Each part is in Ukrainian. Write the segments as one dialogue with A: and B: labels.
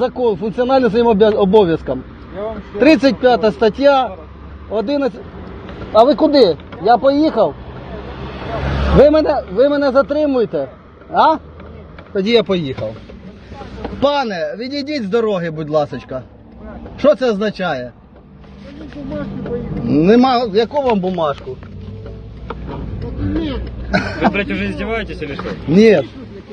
A: закон, функціонально своїм обов'язкам. 35 стаття, 11... А ви куди? Я поїхав? Ви мене затримуєте? А? Тоді я поїхав. Пане, відійдіть з дороги, будь ласочка. Що це означає? Нема, яку вам бумажку?
B: Вы, блядь, уже издеваетесь или что?
A: Нет.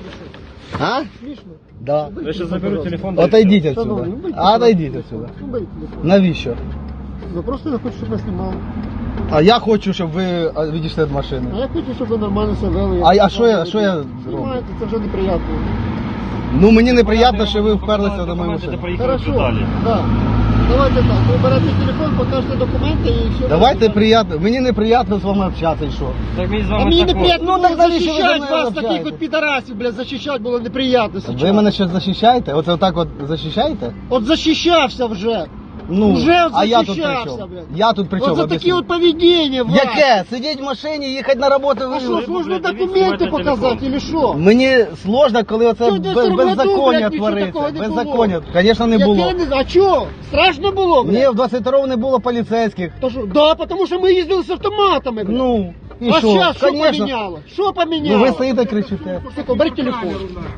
A: А? Да.
B: Я сейчас заберу телефон. да и
A: Отойдіть
B: всё.
A: отсюда. Отойдіть отсюда. Навіщо?
C: Просто я хочу, щоб ви знімали.
A: А я хочу, щоб ви відійшли від машини.
C: А я хочу, щоб ви нормально себе вели.
A: А що я зроблю?
C: Знімаєте, це вже неприємно.
A: Ну мені неприємно, що ви вперлися до моєї
B: Документы,
A: машини.
B: да проехали
C: Хорошо,
B: далі.
C: да. Давайте так, ви берете телефон, покажете документи і все.
A: Давайте приємно. Мені неприємно з вами общатися, і що?
B: Так мені з
C: А
B: вами
C: мені
B: так
C: неприємно
A: Ну,
C: було
A: так навіщо ви за
C: захищати
A: мною
C: вас, таких
A: общаєтесь?
C: от підарасів, блядь, захищати було неприємно зараз.
A: Ви мене щось захищаєте? Оце отак от захищаєте?
C: От захищався вже.
A: Ну,
C: Уже от
A: а я тут при
C: захищався,
A: чому?
C: блядь.
A: Я тут при чому?
C: От за такі
A: Об'ясніть.
C: от поведіння вас.
A: Яке? Сидіть в машині, їхати на роботу.
C: А що,
A: ви...
C: сложно
B: блядь,
C: документи
B: дивіться,
C: показати, или що?
A: Мені сложно, коли оце
C: Чого, в 22 году,
A: беззаконня
C: блядь, нічого
A: твориться.
C: такого не було?
A: Беззаконня. Звісно, не було.
C: Яке не... А чого? Страшно було, блядь?
A: Ні, в 22-му не було поліцейських.
C: То що? Да, тому що ми їздили з автоматами, блядь.
A: Ну, і
C: А
A: що?
C: зараз що
A: Конечно.
C: поміняло? Що поміняло?
A: Ну ви стоїте кричите.
C: Сука, бери телефон.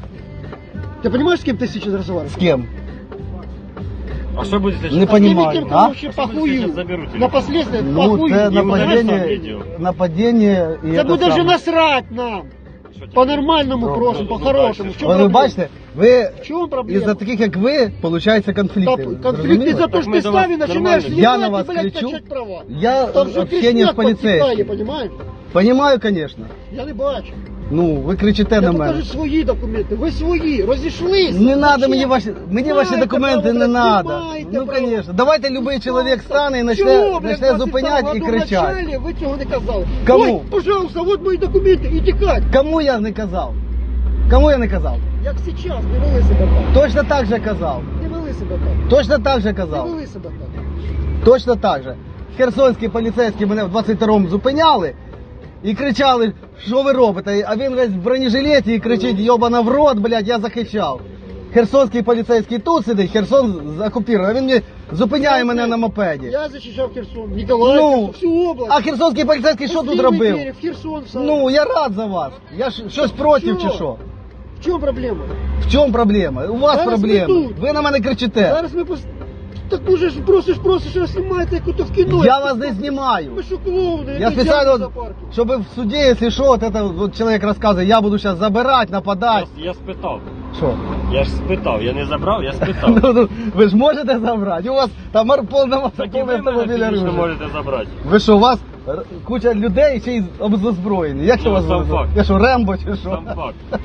C: Ты понимаешь, с кем ты сейчас разговариваешь?
A: З ким?
B: А что будете
A: Не
B: сейчас?
A: понимаю,
C: Теми, кем
A: а?
C: ты вообще похую.
B: Сейчас заберу телефон.
C: На последствия
A: Ну,
C: похую.
A: це
B: І ударив сам
A: нападіння,
B: відео.
A: нападіння і
C: Це
A: це
C: буде вже
A: саме.
C: насрать нам.
B: Що тебе?
C: По-нормальному
A: Ну,
C: просимо,
B: ну,
C: по-хорошому. В чому
A: Ви
C: проблема?
A: бачите, ви
C: В чому проблема?
A: із-за таких, як ви, получаються конфлікти.
C: Конфликт
A: Зрозуміли?
C: из-за того, что
B: Так мы
C: ты
B: до вас
C: стави начинаешь
B: нормально.
A: Я на
C: ебать
A: вас
C: и, блядь,
A: кричу.
C: качать права.
A: Я
C: Там же
A: общение з
C: кричать подтекає,
A: поліцейським.
C: понимаешь?
A: Понімаю, звісно.
C: Я не бачу.
A: Ну, ви кричите
C: Я
A: на мене.
C: покажу свої документи. Ви свої, розійшлися.
A: Не треба
C: Зачем?
A: мені ваші
C: Маєте
A: документи, не
C: право,
A: треба.
C: маєте
A: Ну,
C: право.
A: звісно. Давайте будь-який чоловік стане і
C: Чого, блядь,
A: почне зупиняти і
C: 22
A: кричати.
C: году в начале ви цього не казали.
A: Кому?
C: Ой, пожалуйста, вот мої документи, і тікать.
A: Кому я не казав? Кому я не казав?
C: Як сейчас, не вели себе так.
A: Точно так же казав.
C: Не вели себе так.
A: Точно так же
C: Не
A: казав.
C: вели себе так.
A: Точно так же. Херсонські поліцейські мене в 22-му зупиняли і кричали, що ви робите? А він весь в бронежилеті і кричить, йобана в рот, блядь, я захищав. Херсонський поліцейський тут сидить, Херсон окупований, а він мені зупиняє мене на мопеді.
C: Я захищав Херсон, Ніколаїв, всю область.
A: А херсонський поліцейський що тут
C: Пустили
A: робив?
C: двері в Херсон сам.
A: Ну, я рад за вас. Я щось проти чи
C: Чого?
A: що?
C: В чому проблема?
A: В чому проблема? У вас
C: Зараз
A: проблема.
C: ми тут.
A: Ви на мене кричите.
C: Зараз ми Так дуже ж просиш, а знімаєте, як ото в кіно.
A: Я вас не знімаю.
C: Ви що, клоуни?
A: Я специально, вот, чтобы в суде, если что, вот это вот человек рассказывает, я буду сейчас забирать, нападать.
B: Я спитав.
A: Что?
B: Я ж спитав. Я не забрав, я спитав.
A: Ну, ви ж можете забрати? У вас там повна
B: Так і ви мене
A: автомобіля
B: фізично
A: оружия.
B: можете забрати.
A: Ви що, у вас куча людей ще й озброєні? Як що у вас?
B: сам факт.
A: Я що, Рембо чи що?
B: Сам факт.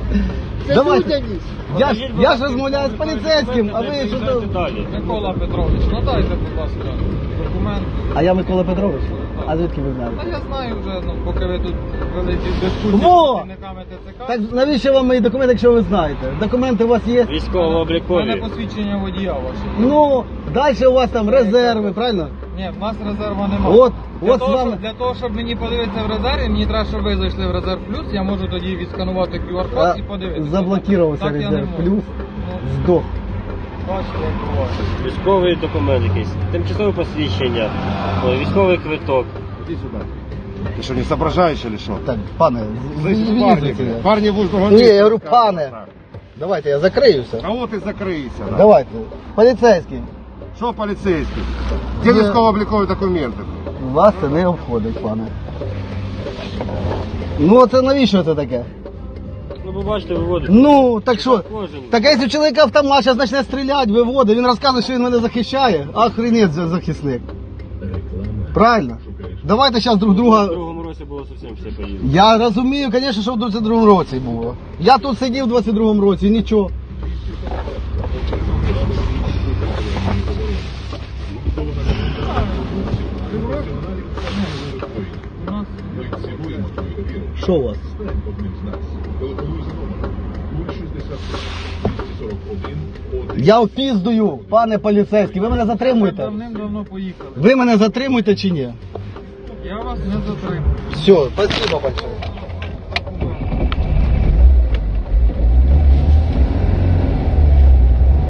C: Це
A: Давайте.
C: людяність.
A: Я ж розмовляю з поліцейським, а ви що то...
B: Далі.
D: Микола Петрович, надайте, будь ласка, документ.
A: А я Микола Петрович? А звідки ви
D: Та
A: знаєте?
D: я знаю вже, ну, поки ви тут вели ці дискусії
A: Во!
D: з працівниками ТЦК.
A: Так навіщо вам мої документи, якщо ви знаєте? Документи у вас є?
D: У мене
B: Військово-облікові.
D: посвідчення водія ваше.
A: Ну, далі у вас там резерви, правильно?
D: Ні, в нас резерва немає.
A: От,
D: Для
A: от
D: того,
A: з вами...
D: для того, щоб мені подивитися в резерві, мені треба, щоб ви зайшли в резерв плюс, я можу тоді відсканувати QR-код і подивитися.
A: Заблокувався
D: Так я не
A: резерв
D: можу.
A: плюс,
D: Ну,
A: здох.
D: бачите, як буває.
B: Військовий документ якийсь. Тимчасове посвідчення. Військовий квиток.
E: Иди сюда. Ты что, не соображаешь или что?
A: Так, пане,
E: Парни,
A: візьмите.
E: блядь. Парни будут
A: Ні, я говорю, пане, давайте я закриюся.
E: Кого ты закрыйся? Да?
A: Давайте, поліцейський,
E: Что полицейский? Где
A: Я-
E: військово-облікові документи?
A: вас це не обходить, пане. Ну, це навіщо це таке?
B: Ну, ви бачите, виводить.
A: Ну, так що?
B: Кожен.
A: Так а якщо чоловік автомат зараз почне стріляти, виводить, він розказує, що він мене захищає, охренеть захисник. Правильно? Давайте зараз друг
B: В
A: друга...
B: другому році було зовсім все поїздно.
A: Я розумію, звісно, що в 22-му році було. Я тут сидів в 22-му році і нічого. Що у вас? Я опіздую, пане поліцейський, ви мене затримуєте?
D: Давним-давно поїхали.
A: Ви мене затримуєте чи ні?
D: Я вас не затримую.
A: Все, спасибо большое.